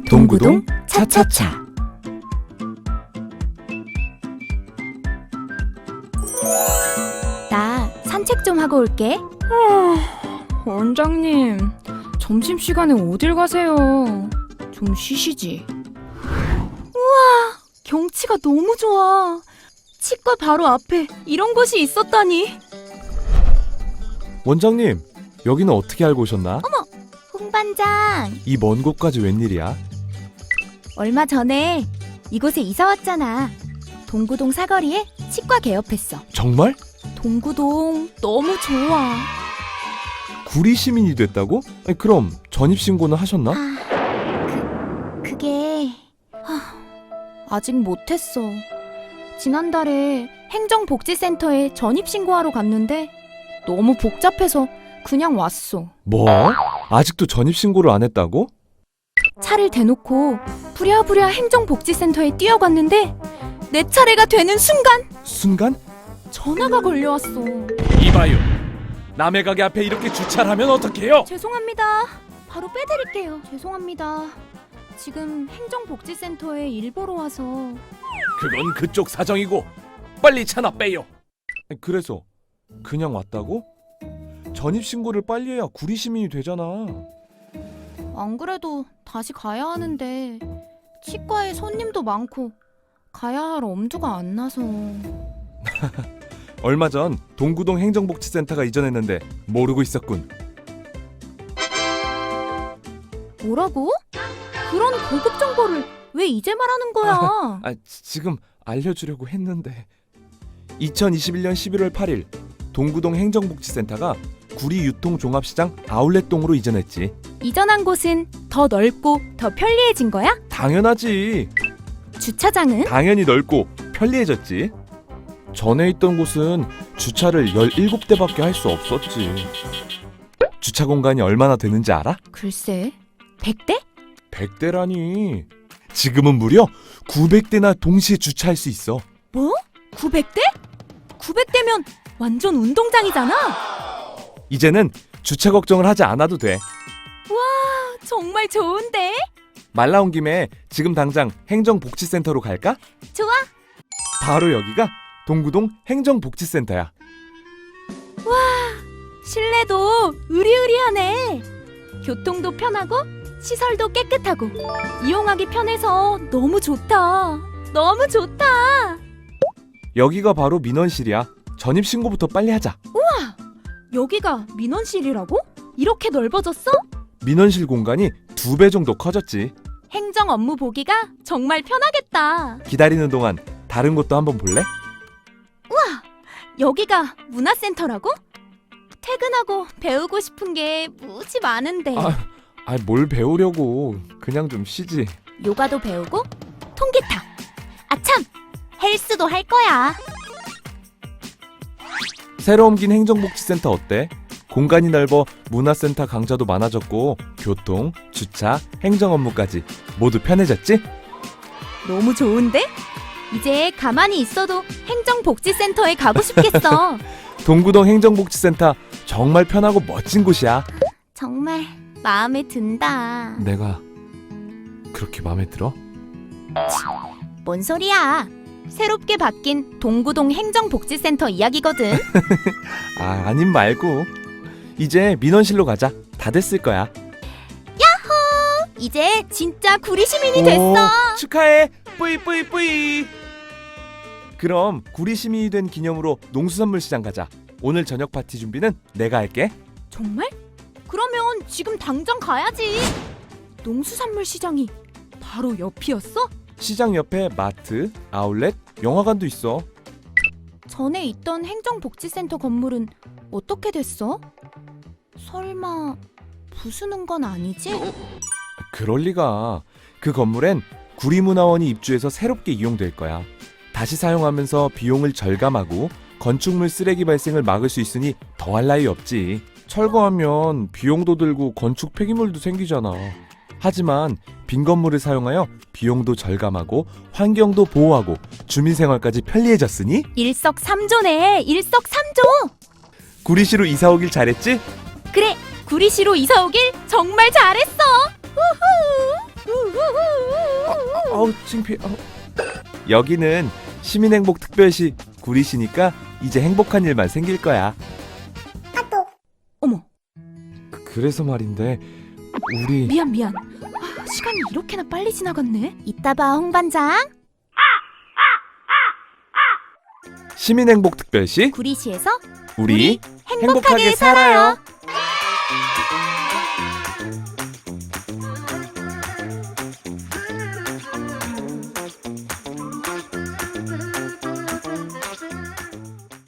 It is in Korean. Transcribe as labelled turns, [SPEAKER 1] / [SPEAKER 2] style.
[SPEAKER 1] 동구동 차차차.
[SPEAKER 2] 나 산책 좀 하고 올게.
[SPEAKER 1] 원장님, 점심시간에 어딜 가세요? 좀 쉬시지.
[SPEAKER 2] 경치가 너무 좋아. 치과 바로 앞에 이런 곳이 있었다니.
[SPEAKER 3] 원장님, 여기는 어떻게 알고 오셨나?
[SPEAKER 2] 홍 반장,
[SPEAKER 3] 이 먼 곳까지 웬일이야?
[SPEAKER 2] 얼마 전에 이곳에 이사 왔잖아. 동구동 사거리에 치과 개업했어.
[SPEAKER 3] 정말?
[SPEAKER 2] 동구동 너무 좋아.
[SPEAKER 3] 구리 시민이 됐다고? 아니, 그럼 전입신고는 하셨나?
[SPEAKER 2] 그게 아직 못했어. 지난달에 행정복지센터에 전입신고하러 갔는데 너무 복잡해서 그냥 왔어.
[SPEAKER 3] 뭐? 아직도 전입신고를 안 했다고?
[SPEAKER 2] 차를 대놓고 부랴부랴 행정복지센터에 뛰어갔는데 내 차례가 되는
[SPEAKER 3] 순간?
[SPEAKER 2] 전화가 걸려왔어.
[SPEAKER 3] 이봐요. 남의 가게 앞에 이렇게 주차를 하면 어떡해요?
[SPEAKER 2] 죄송합니다. 바로 빼드릴게요. 죄송합니다. 지금 행정복지센터에 일 보러 와서.
[SPEAKER 3] 그건 그쪽 사정이고 빨리 차나 빼요. 그래서 그냥 왔다고? 전입신고를 빨리 해야 구리 시민이 되잖아.
[SPEAKER 2] 안 그래도 다시 가야 하는데 치과에 손님도 많고 가야 할 엄두가 안 나서.
[SPEAKER 3] 얼마 전 동구동 행정복지센터가 이전했는데 모르고 있었군.
[SPEAKER 2] 뭐라고? 그런 고급 정보를 왜 이제 말하는 거야?
[SPEAKER 3] 지금 알려주려고 했는데 2021년 11월 8일 동구동 행정복지센터가 구리 유통종합시장 아울렛동으로 이전했지.
[SPEAKER 2] 이전한 곳은 더 넓고 더 편리해진 거야?
[SPEAKER 3] 당연하지.
[SPEAKER 2] 주차장은?
[SPEAKER 3] 당연히 넓고 편리해졌지. 전에 있던 곳은 주차를 17대밖에 할 수 없었지. 주차 공간이 얼마나 되는지 알아?
[SPEAKER 2] 글쎄, 100대?
[SPEAKER 3] 100대라니. 지금은 무려 900대나 동시에 주차할 수 있어.
[SPEAKER 2] 뭐? 900대? 900대면 완전 운동장이잖아.
[SPEAKER 3] 이제는 주차 걱정을 하지 않아도 돼.
[SPEAKER 2] 정말 좋은데?
[SPEAKER 3] 말 나온 김에 지금 당장 행정복지센터로 갈까?
[SPEAKER 2] 좋아.
[SPEAKER 3] 바로 여기가 동구동 행정복지센터야.
[SPEAKER 2] 실내도 으리으리하네. 교통도 편하고 시설도 깨끗하고 이용하기 편해서 너무 좋다. 너무 좋다.
[SPEAKER 3] 여기가 바로 민원실이야. 전입신고부터 빨리 하자.
[SPEAKER 2] 여기가 민원실이라고? 이렇게 넓어졌어?
[SPEAKER 3] 민원실 공간이 2배 정도 커졌지.
[SPEAKER 2] 행정 업무 보기가 정말 편하겠다.
[SPEAKER 3] 기다리는 동안 다른 곳도 한번 볼래?
[SPEAKER 2] 여기가 문화센터라고? 퇴근하고 배우고 싶은 게 무지 많은데.
[SPEAKER 3] 뭘 배우려고. 그냥 좀 쉬지.
[SPEAKER 2] 요가도 배우고 통기타. 아참, 헬스도 할 거야.
[SPEAKER 3] 새로 옮긴 행정복지센터 어때? 공간이 넓어 문화센터 강좌도 많아졌고 교통, 주차, 행정 업무까지 모두 편해졌지?
[SPEAKER 2] 너무 좋은데? 이제 가만히 있어도 행정복지센터에 가고 싶겠어.
[SPEAKER 3] 동구동 행정복지센터 정말 편하고 멋진 곳이야.
[SPEAKER 2] 정말 마음에 든다.
[SPEAKER 3] 내가 그렇게 마음에 들어?
[SPEAKER 2] 뭔 소리야? 새롭게 바뀐 동구동 행정복지센터 이야기거든.
[SPEAKER 3] 아님 말고 이제 민원실로 가자. 다 됐을 거야.
[SPEAKER 2] 이제 진짜 구리 시민이 됐어.
[SPEAKER 3] 축하해. 뿌이. 그럼 구리 시민이 된 기념으로 농수산물 시장 가자. 오늘 저녁 파티 준비는 내가 할게.
[SPEAKER 2] 정말? 그러면 지금 당장 가야지. 농수산물 시장이 바로 옆이었어?
[SPEAKER 3] 시장 옆에 마트, 아울렛, 영화관도 있어.
[SPEAKER 2] 전에 있던 행정복지센터 건물은 어떻게 됐어? 설마 부수는 건 아니지?
[SPEAKER 3] 그럴 리가. 그 건물엔 구리문화원이 입주해서 새롭게 이용될 거야. 다시 사용하면서 비용을 절감하고 건축물 쓰레기 발생을 막을 수 있으니 더할 나위 없지. 철거하면 비용도 들고 건축 폐기물도 생기잖아. 하지만 빈 건물을 사용하여 비용도 절감하고 환경도 보호하고 주민생활까지 편리해졌으니
[SPEAKER 2] 일석삼조네. 일석삼조.
[SPEAKER 3] 구리시로 이사 오길 잘했지?
[SPEAKER 2] 그래, 구리시로 이사 오길 정말 잘했어. 우후. 우후.
[SPEAKER 3] 아우 창피해. 여기는 시민행복특별시 구리시니까 이제 행복한 일만 생길 거야.
[SPEAKER 1] 어머,
[SPEAKER 3] 그래서 말인데 우리
[SPEAKER 1] 미안. 시간이 이렇게나 빨리 지나갔네.
[SPEAKER 2] 이따 봐, 홍반장.
[SPEAKER 3] 시민행복특별시
[SPEAKER 2] 구리시에서
[SPEAKER 3] 우리
[SPEAKER 2] 행복하게 살아요.